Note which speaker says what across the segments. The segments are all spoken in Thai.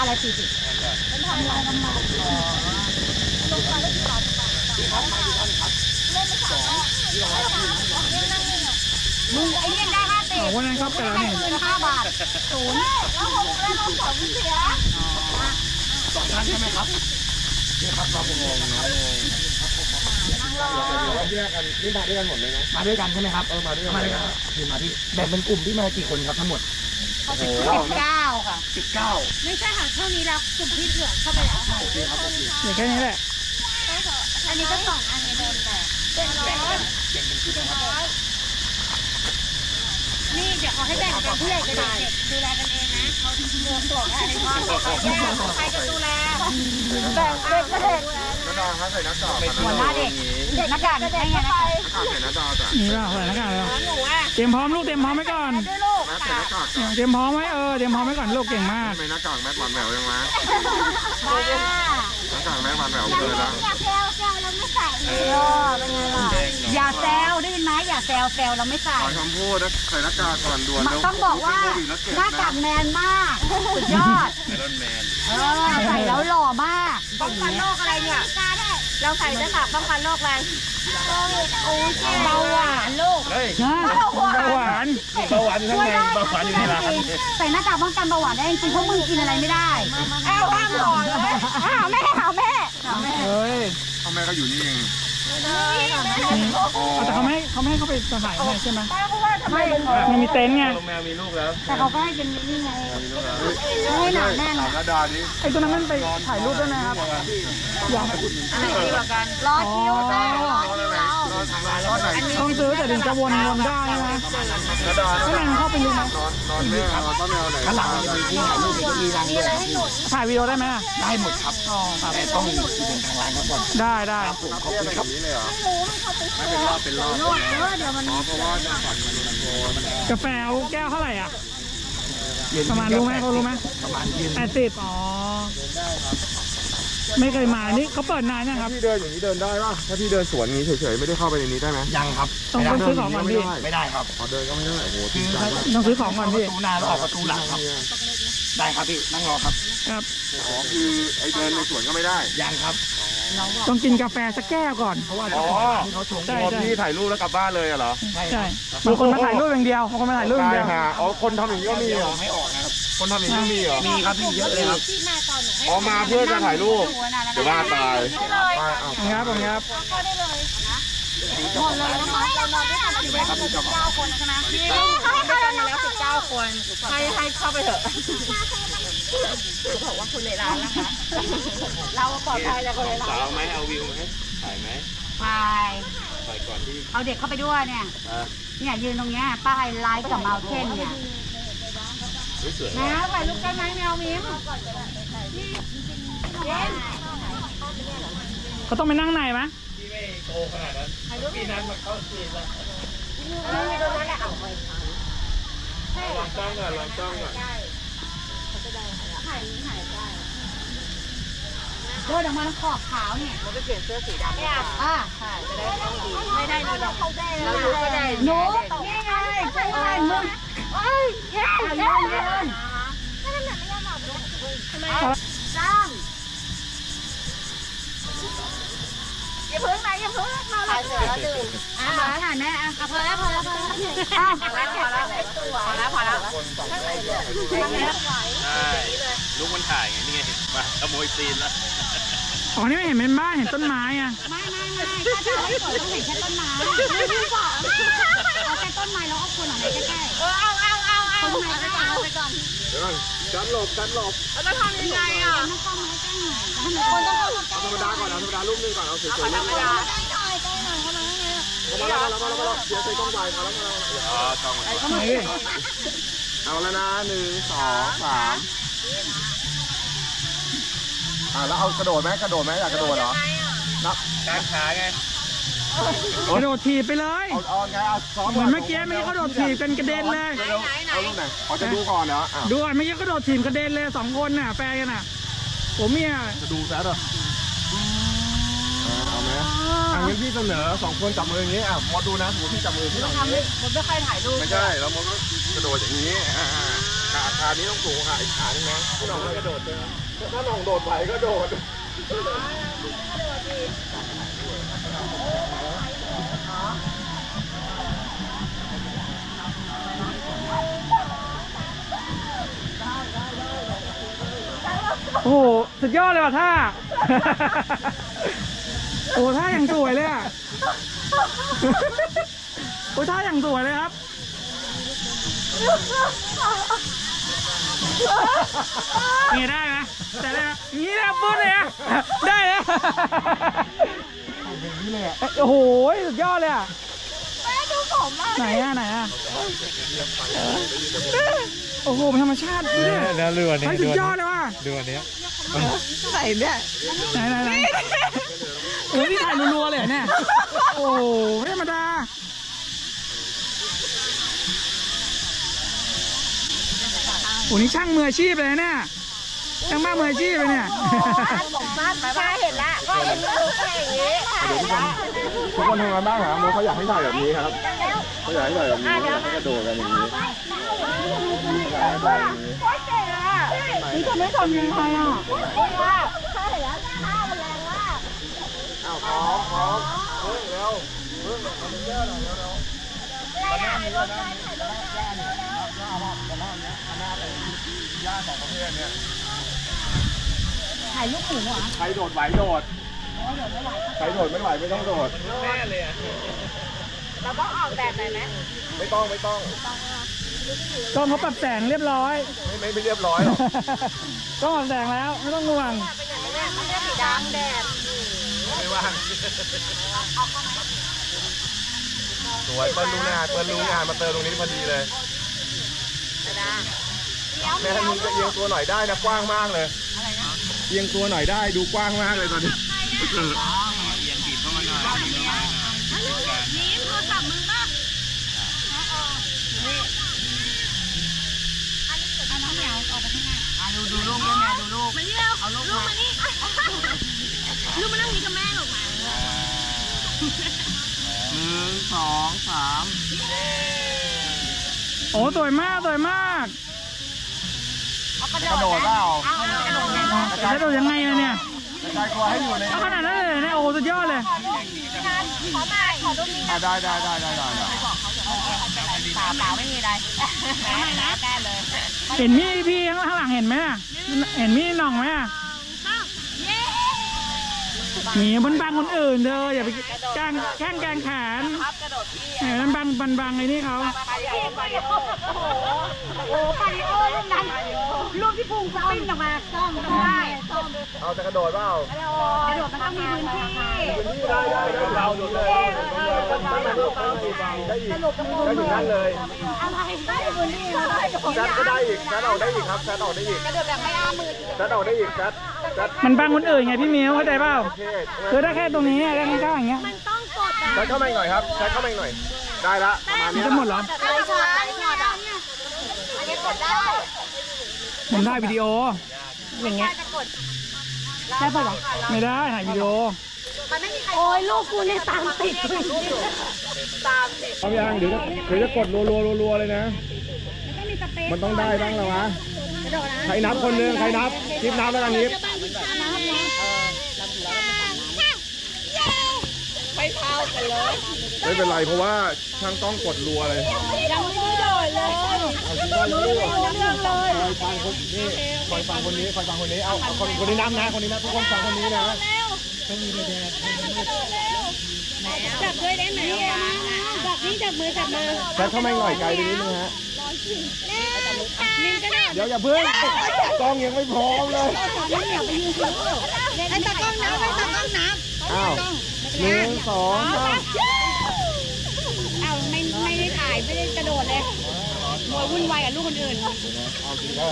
Speaker 1: อะไร40เป็นทำลายน้ำมันลงมาได้กี่บาทมึงไอ้เนี่ยได้50
Speaker 2: วันนั้นครับแต่ละนี่
Speaker 1: คืน5 บาท0แล้วผมได้ลง2เสีย
Speaker 3: 2 ท่านใช่ไหมครับนี่ครับเรางงนะแยกกันนี่มาด้วยกันหมดเลยนะมาด้วยกันใช่ไหมครับมาด้วยกันคือมาที่แบ่งเป็นกลุ่มที่มากี่คนครับทั้งหมด
Speaker 1: 19ค่ะ
Speaker 3: 19
Speaker 1: ไม่ใช่ค่ะเท่านี้แล้วกลุ่มที่เหลือเข้าไปแล้วค่ะ
Speaker 3: โอเคครับโอเค
Speaker 2: นี่แค่นี้แหละ
Speaker 1: อันนี้ก็2 อันนี้โดนแต่เป็นนี่เดี๋ยวเขาให้แบ่งกันผู้ใหญ่กับเด็กดูแลกันเองนะเขาเรื่องตัวอะไรบ้างใครจะดูแลแบ่งเด็กกับเด็ก
Speaker 3: น้าดาครับใส่หน้ากาก
Speaker 1: หัวหน้าเด็กหน้ากากให้ไงนะคะ
Speaker 3: ใส่หน้าดาจ้ะ
Speaker 2: นี่ป่ะใส่หน้ากากเลยเตรียมพร้อมลูกเตรียมพร้อมไว้ก่อน
Speaker 3: ใส่หน้ากาก
Speaker 2: เตรียมพร้อมไว้เตรียมพร้อมไว้ก่อนลูกเก่งมาก
Speaker 3: ทำไมหน้ากากแม่หวานแหววยังไงหน้ากากแม่หวานแหววเลยแล้ว
Speaker 1: อย่าแซวเราไม่ใส่เป็นไงล่ะอย่าแซวได้ยินไหมอย่าแซวเราไม่ใส่
Speaker 3: ขอคำพูดนะใส่หน้ากากก่อนด่วน
Speaker 1: ต้องบอกว่าหน้ากากแมนมากสุดยอด
Speaker 3: ไอรอนแมน
Speaker 1: ใส่แล้วหล่อมากป้องกันโรคอะไรเนี่ยเราใส่หน้ากากป้องกันโรคอะไรเบาหวานลูก
Speaker 2: เบาหวาน
Speaker 3: อยู่ข้างในเบาหวานอยู่ในร้าน
Speaker 1: ใส่หน้ากากป้องกันเบาหวานได้จริงๆเพราะมึงกินอะไรไม่ได้ห้ามหล่อเลยหาแม่
Speaker 2: เฮ้ย
Speaker 3: พ่อแม่ก็อยู่นี่เอง
Speaker 2: แต่เขาไม่ให้เขาไปสถานที่ใช่ไหม
Speaker 1: ไม่
Speaker 2: มันมีเต็นท์ไง
Speaker 3: แมวมีลูกแล้ว
Speaker 1: แต่เขาก็ให้เป็นนี่ไงให้หนาแน่น
Speaker 3: หน้าดาดิ
Speaker 2: ไอ้ตัวนั้นมันไปถ่ายรูปได้ไหมครับอยาก
Speaker 1: อันไหนดีกว่ากันรอคิวแม่รอคิวเรา
Speaker 2: ต้องซื้อแต่ถึงจะวนได้นะก็นั่งเข้าไปดูนะ
Speaker 3: นอนแม่นอนป้าแมวไหนข้างหลังจะมีที่ถ่ายรูปมีรังด้วย
Speaker 2: ถ่ายวิดีโอได้ไหม
Speaker 3: ได้หมดครับแต่ต้องมีเป็นทางร้านครับก่อน
Speaker 2: ได้
Speaker 3: ผมขอบคุณครับนี้เลยเหรอไม่เป็นรอบเดี๋ยวมันเพราะว่าจะฝัน
Speaker 2: กาแฟแก้วเท่าไหร่อ่ะประมาณรู้ไหมเขารู้ไหม
Speaker 3: ประมาณ
Speaker 2: 80อ๋อไม่เคยมานี่เขาเปิดนานนะครับ
Speaker 3: พี่เดินอย่างนี้เดินได้ป่ะถ้าพี่เดินสวนนี้เฉยๆไม่ได้เข้าไปในนี้ได้ไหมยังครับ
Speaker 2: ต้องซื้อของก่อนพี่
Speaker 3: ไม่ได้ครับเดินก็ไม่ได้โอ้โห
Speaker 2: ต้องซื้อของก่อนพี่
Speaker 3: ประตูหน้าแล้วออกประตูหลังครับได้ครับพี่นั่งรอครับอ๋อคือไอเดินในสวนก็ไม่ได้ยังครับ
Speaker 2: ต้องกินกาแฟสักแก้วก่อนเพราะว่า
Speaker 3: เขาชงพี่ถ่ายรูปแล้วกลับบ้านเลยเหรอ
Speaker 2: ใช่บางคนมาถ่ายรูปอย่างเดียวบางคนมาถ่ายรูปอย่างเดียว
Speaker 3: อ๋อคนทำอย่างนี้ก็มีเหรอไม่ออกนะครับคนทำอย่างนี้มีเหรอมีครับพี่เยอะเลยครับอ๋อมาเพื่อจะถ่ายรูปเดี๋ยวว่าตาย
Speaker 2: ครับผมครับ
Speaker 1: หมดเลยนะคะเรานอนด้วยกัน19 คนใช่ไหมเขาให้เข้าแล้ว19 คนให้เข้าไปเถอะบอกว่าคุณในร้านนะคะเราปลอดภัยจากคนในร้าน
Speaker 3: สาวไหมเอาวิวไหมถ่ายไหม
Speaker 1: ไป
Speaker 3: ก่อนที่
Speaker 1: เอาเด็กเข้าไปด้วยเนี่ยยืนตรงเนี้ยป้ายไลฟ์กับเมาเทนเนี่ยนะถ่ายรูปกันไหมแมวมิ้ม
Speaker 2: เขาต้องไปนั่งไหนไหม
Speaker 3: ที่ไม่โตขนาดนั้นปีนั้นมันเข้าซีนแล้ว
Speaker 1: ตรงนั้นแหละเอาไป
Speaker 3: ลองจ้องก่อน
Speaker 1: เดินออกมาแล้วขอบขาวเนี่ยมันจะเปลี่ยนเสื้อสีดำใช่จะได้เข้าดีไม่ได้ดีเรารู้ก็ได้หนูนี่ไงใช่มึงเย้เดินถ้ามันแบบไม่ยอมบอกทำไมจ้างอย่าพึ่งนะอย่าพึ่งเราถ่ายเสร็จแล้วดื่มถ่ายแม่พอแล้ว
Speaker 3: ใช่ลูกมันถ่ายไงนี่ไงมาขโมยซีนแล้ว
Speaker 2: อ๋อนี่ไม่เห็นเป็นบ้านเห็นต้นไม้อ่ะ
Speaker 1: ไม่ถ้าจะไม่สวยต้องเห็นแค่ต้นไม้เอาแค่ต้นไม้แล้วก็คนออกมาใกล้ๆเอาต้นไม้ใกล้เอาไปก่อน
Speaker 3: เดี๋ยวจัดหลบ
Speaker 1: แล้วจะทำยังไงอ่ะต้องเข้ามาใกล้หน่อยคนต้องเข้ามาใกล้
Speaker 3: ธรรมดาก่อนธรรมดารูปนึงก่อนเอาสวยๆ
Speaker 1: ธรรมดาใกล้หน่อยเข้ามาข้างใน
Speaker 3: มาแล้วเดี๋ยวใส่กล้องวายมาแล้วต้องเอาแล้วนะ1 2 3แล้วเอากระโดดไหมอยากกระโดดเหรอนับการขาไง
Speaker 2: กระโดดถีบไปเลย
Speaker 3: เอาไงซ้อม
Speaker 2: เหมือนเมื่อกี้เขาโดดถีบเป็นกระเด็นเลย
Speaker 3: เอาลูกไหนจะดูก่อนเหรอ
Speaker 2: ดูเมื่อกี้เขาโดดถีบกระเด็นเลย2 คนน่ะแฟนกันน่ะผมเมีย
Speaker 3: จะดูซะเหรอเอาไหมงั้นพี่เสนอ2 คนจับมืออย่างนี้มดดูนะหมูพี่จับมือพี่หน่อย
Speaker 1: ผมไม่เคยถ่ายรูป
Speaker 3: ไม่ใช่แล้วมดก็กระโดดอย่างนี้ขานี้ต้องสูงค่ะอีกขานึงนะพี่น้องไม่กระโดดเลยถ้าน้องโดดไหวก็โดด
Speaker 2: โอ้โหสุดยอดเลยว่ะท่า โอ้ท่าอย่างสวยเลยอ่ะ โอ้ท่าอย่างสวยเลยครับนี่ได้ไหมได้ไหมนี่นะปุ๊บเลยอ่ะได้เลยโอ้โหสุดยอดเลยอ่ะไหนอ่ะไหนอ่ะโอ้โหเป็นธรรมชาติเนี่ย
Speaker 4: แล้วเรือนี้
Speaker 2: สุดยอดเลยว่ะ
Speaker 4: เรือนี้
Speaker 2: ไหนเนี่ยไหนโอ้นี่ถ่ายรัวๆเลยเนี่ยโอ้ไม่ธรรมดาโอ้นี่ช่างมืออาชีพเลยเนี่ยช่างบ้ามืออาชีพเลยเนี่ย
Speaker 1: ใช่เห็นแล้วก็เห็นลูกอย่างนี้
Speaker 3: ทุกคนทำงานบ้างเหรอโมเขาอยากให้ถ่ายแบบนี้ครับเขาอยากให้ถ่ายแบบนี้ให้กระโดดกันอย่างนี้
Speaker 2: นี่จะไม่ทำยังไงอ่ะ
Speaker 1: ใช่แล้วข้าวมันแรงมาก
Speaker 3: อ้าวพร้อมเพิ่งเร็วเพิ่งมันเยอะหน่อยเร็วย่าสองประเภทเนี่ย
Speaker 2: ถ่ายลูกหมูอ่ะ
Speaker 3: ใครโดดไหวโดดใครโดดไม่ไหวไม่ต้องโดดแน่เลย
Speaker 1: เราต้องออกแบบไหนไหม
Speaker 3: ไม่ต้อง
Speaker 2: กล้องเขาปรับแสงเรียบร้อย
Speaker 3: ไม่เรียบร้อยหรอก
Speaker 2: กล้องปรับแสงแล้วไม่ต้องห่วง
Speaker 1: มันจะสีดำแดด
Speaker 3: ไม่ว่างสวยเปิ้ลรู้งานมาเติมตรงนี้พอดีเลยแม่มึงจะเอียงตัวหน่อยได้นะกว้างมากเลยเอียงตัวหน่อยได้ดูกว้างมากเลยตอนนี้
Speaker 4: เอียงบีบเข้ามาหน่อย
Speaker 1: นี่โทรศัพท์มึงป่ะเอาน้องเหมียวออกไปข้างหน้า
Speaker 4: ดูลูกด้วยแม่ดูลูก
Speaker 1: มานี่เร็วเอาลูกมานี่ลูกมานั่งนี้กับแม่หรอกมา
Speaker 3: 1 2 3
Speaker 2: โอ้สวยมากสวยมาก
Speaker 3: กระโดดเปล่าก
Speaker 2: ระโดดยังไงเนี่ย
Speaker 3: กระจายตัวให้อยู่ใน
Speaker 2: ขนาดนั้นเลยเนี่ยโอ้สุดยอดเลย
Speaker 1: ขอดูมี
Speaker 3: ได้
Speaker 1: เปล่าไม่มีอะไรนะได้เลย
Speaker 2: เห็นพี่ข้างหลังเห็นไหมเห็นพี่น้องไหมหนีบนบังคนอื่นเธออย่าไปแข้งแกงแขนนั่นบังไอ้นี่เขา
Speaker 1: โอ้ปาริโอลูกนั้นลูกที่พุงปิ้นออกมาซ่อมได้
Speaker 3: เอาจะกระโดดเปล่าก
Speaker 1: ระโดดมันต้องมีพื้นที่
Speaker 3: ได้เราโดดเลยได้อีกนั่นเลย
Speaker 1: อะไรได้พื้นที่
Speaker 3: จัดก็ได้อีกจัดออกได้อีกครับจัดออกได้อีก
Speaker 1: กระโดดแบบไม่อ้ามือ
Speaker 3: จัดออกได้อีกจัด
Speaker 2: มันบังคนอื่นไงพี่มิ้วเข้าใจเปล่าคือได้แค่ตรงนี้ได้ข้างๆอย่างเงี้ย
Speaker 1: มันต้องกด
Speaker 3: จัดเข้ามาหน่อยครับจัดเข้ามาหน่อยได้ละประมาณนี้
Speaker 2: จะหมดเหรอ
Speaker 1: ไม่ใช่อันนี้กดได้
Speaker 2: ผมได้วิดีโออย่างเงี้ยได้ปะไม่ได้ถ่ายวิดีโอ
Speaker 1: โอ้ยลูกกูเนี่ยตามติด
Speaker 3: เอาอย่างเดี๋ยวจะกดรัวเลยนะมันต้องได้บ้างแล้ววะใครนับคนหนึ่งใครนับนิบนับแล้วกันนิบ
Speaker 1: ไม่เท่ากันเลย
Speaker 3: ไม่เป็นไรเพราะว่าช่างต้องกดรัวเลย
Speaker 1: ยังไม่ได้โดดเลย
Speaker 3: คอยฟังคนนี้เอาคนนี้นับนะคนนี้นับทุกคนฟังคนนี้นะ
Speaker 1: จับด้วยได้ไหมจับนี่จับมือจับมือ
Speaker 3: แค่เข้ามาหน่อยไกลไปนิดนึงฮะเดี๋ยวอย่าเพิ่งกล้องยังไม่พร้อมเลย
Speaker 1: ให้ตากล้องนับ
Speaker 3: อ้าว1 2 3
Speaker 1: อ้าวไม่ได้ถ่ายไม่ได้กระโดดเลยมัววุ่นวายกับลูกคนอื่น
Speaker 3: เอาจริงแล้ว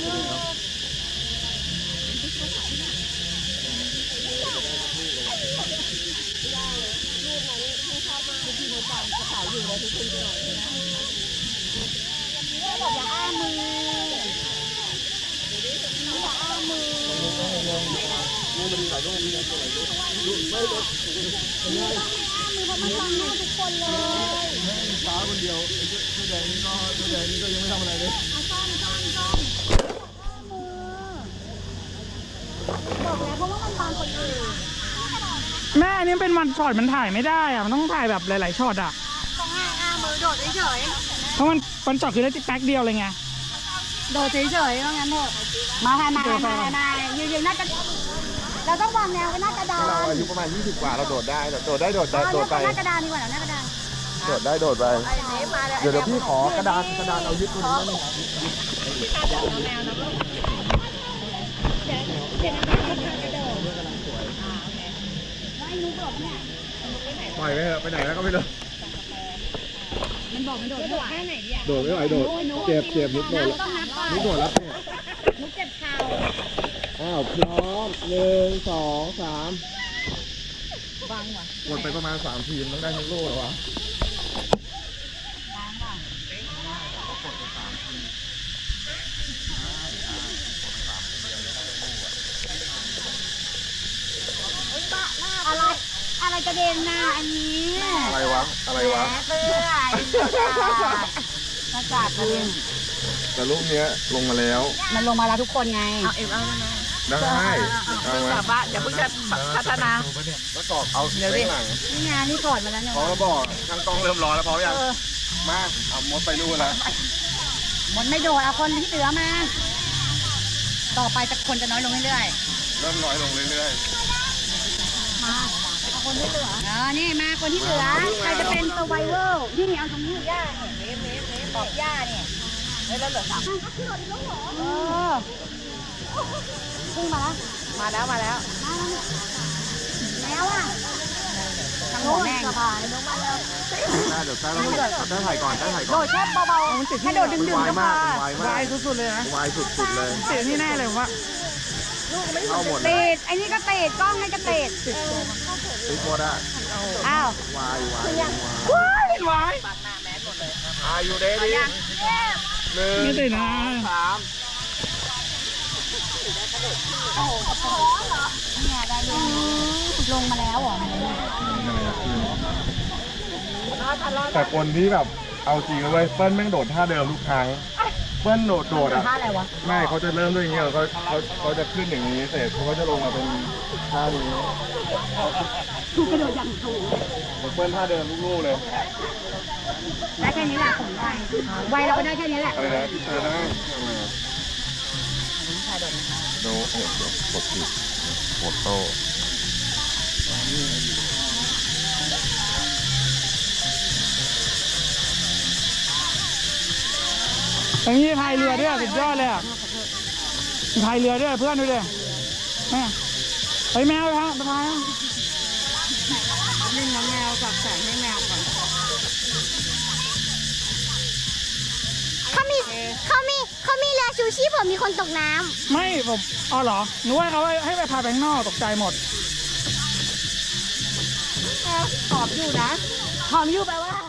Speaker 1: อย่าอ้ามือ
Speaker 3: ลูกมันดีหลายลูกมีอะไรตัวไหนลูกไม่ลด
Speaker 1: มือเพราะมันฟังหน้าทุกคนเลย
Speaker 3: ฟ้าคนเดียวตัวแดงนี่ก็ยังไม่ทำอะไรเลย
Speaker 1: ซ่อมบอกแล้วเพราะว่ามันบางคนอื่น
Speaker 2: แม่อันนี้เป็นวันช็อตมันถ่ายไม่ได้อะมันต้องถ่ายแบบหลายๆช็อตอะ
Speaker 1: ต้องอ้ามือโดดเฉย
Speaker 2: เพราะมันวันช็อตคือได้แป๊กเดียวเลยไง
Speaker 1: ๆโดดเฉยๆว่างั้นเถอะมายืนหน้ากระดานเราต้องวางแนวไว้หน้ากระดาน
Speaker 3: เราอายุประมาณ20 กว่าเราโดดได้โดดไป
Speaker 1: หน้ากระดานดีกว่าหน้ากระดาน
Speaker 3: โดดไปเดี๋ยวพี่ขอกระดานเอายึดตัวนี้ปล่อยไปเถอะไปไหนแล้วก็ไม่รู้
Speaker 1: มันบอกมันโดดไม่ไหวแค่ไหนดีอ่ะ
Speaker 3: โดดไม่ไหวโดดเจ็บนุกโดด
Speaker 1: ต้องนับก่อน
Speaker 3: นุกโดดแล้วเนี่ย
Speaker 1: นุกเจ็บเข่า
Speaker 3: อ้าวพร้อม1 2 3
Speaker 1: บังว่ะ
Speaker 3: กดไปประมาณ3 ทีมต้องได้ทั้งโล่แล้ววะ
Speaker 1: อะไรกระเด็นหน้าอันนี้
Speaker 3: อะไรวะ
Speaker 1: แหมเปื่อยอากาศกระเด็น
Speaker 3: แต่ลูกเนี้ยลงมาแล้ว
Speaker 1: มันลงมาแล้วทุกคนไงเอาเอ็มเอาได้ไหม
Speaker 3: ได้เอาไหม
Speaker 1: แบบว่าเดี๋ยวเพิ่งจะพัฒนา
Speaker 3: แล้วกรอกเอาเส้นหลัง
Speaker 1: นี่ไงนี่ถอดมาแล้วเนี่ย
Speaker 3: พอแล้วบอกทางกล้องเริ่มร้อนแล้วพอยังมาเอามดไปนู่นแล้ว
Speaker 1: มันไม่โดดเอาคนที่เหลือมา ต่อไปจะคนจะน้อยลงเรื่อย
Speaker 3: เริ่มน้อยลงเรื่อย
Speaker 1: ๆมาเอาคนที่เหลือนี่มาคนที่เหลือใครจะเป็นตัวไวเวอร์ที่นี่เอาตรงนี้ย่าเนี่ยเมฟปอกย่าเนี่ยแล้วเหลือ3ขึ้นมาแล้วมาแล้วแล้วอ่ะทางหัวแม่งลงมาแล้ว
Speaker 3: ๆเดี๋ยวแต้ถ่ายก่อนถ่ายก่
Speaker 1: โด
Speaker 3: อน
Speaker 1: ดแค่เบาๆถ้าโดดดึง
Speaker 3: วาย
Speaker 1: ๆ
Speaker 3: มาก
Speaker 1: ค่ะ
Speaker 3: วายมาว
Speaker 2: าย
Speaker 3: ก
Speaker 2: สุดๆเลยนะ
Speaker 3: วายสุดๆเลย
Speaker 2: เสียที่แน่เลยว่า
Speaker 3: เข้าหมด
Speaker 1: เตดไอ้นี่ก็เตดกล้องนี่ก็เตด
Speaker 3: ติดหมดอ่ะ
Speaker 1: อ้าว
Speaker 3: วายวาย
Speaker 2: วาย
Speaker 3: อายุเดดี้1
Speaker 2: ไม่ติดนะ
Speaker 3: 3
Speaker 1: เนี่ยได้ลงมาแล้วเหรอ
Speaker 3: แต่คนที่แบบเอาจริงเลยเว้ยเปิ้ลแม่งโดดท่าเดิมทุกครั้งเปิ้ลโดดอ่ะ
Speaker 1: ท่าอะไรวะ
Speaker 3: ไม่เขาจะเริ่มด้วยอย่างเงี้ยเขาจะขึ้นอย่างนี้เสร็จเขาก็จะลงมาเป็นท่านี้
Speaker 1: ถูกกระโดดอย่างถูก
Speaker 3: เปิ้ลท่าเดิมลูกๆเลย
Speaker 1: ได้แค่นี้แหละผมได้ไวเราก็ได้แค่นี้แหละ
Speaker 3: อะไรนะพี่เจอได้ดูกดผิดกดโต้
Speaker 2: ตรงนี้พายเรือด้วยสุดยอดเลยอ่ะพายเรือด้วยเพื่อนดูดิแม่ไปแมวเลยฮะไปพาย
Speaker 1: เล่นน้ำแมวกับแสงให้แมวก่อน
Speaker 5: เขามีเรือชูชีพผมมีคนตกน้ำ
Speaker 2: ไม่ผมอ๋อเหรอหนูว่าเขาให้ไปพายไปข้างนอกตกใจหมด
Speaker 1: หอมอยู่นะหอมอยู่แปลว่า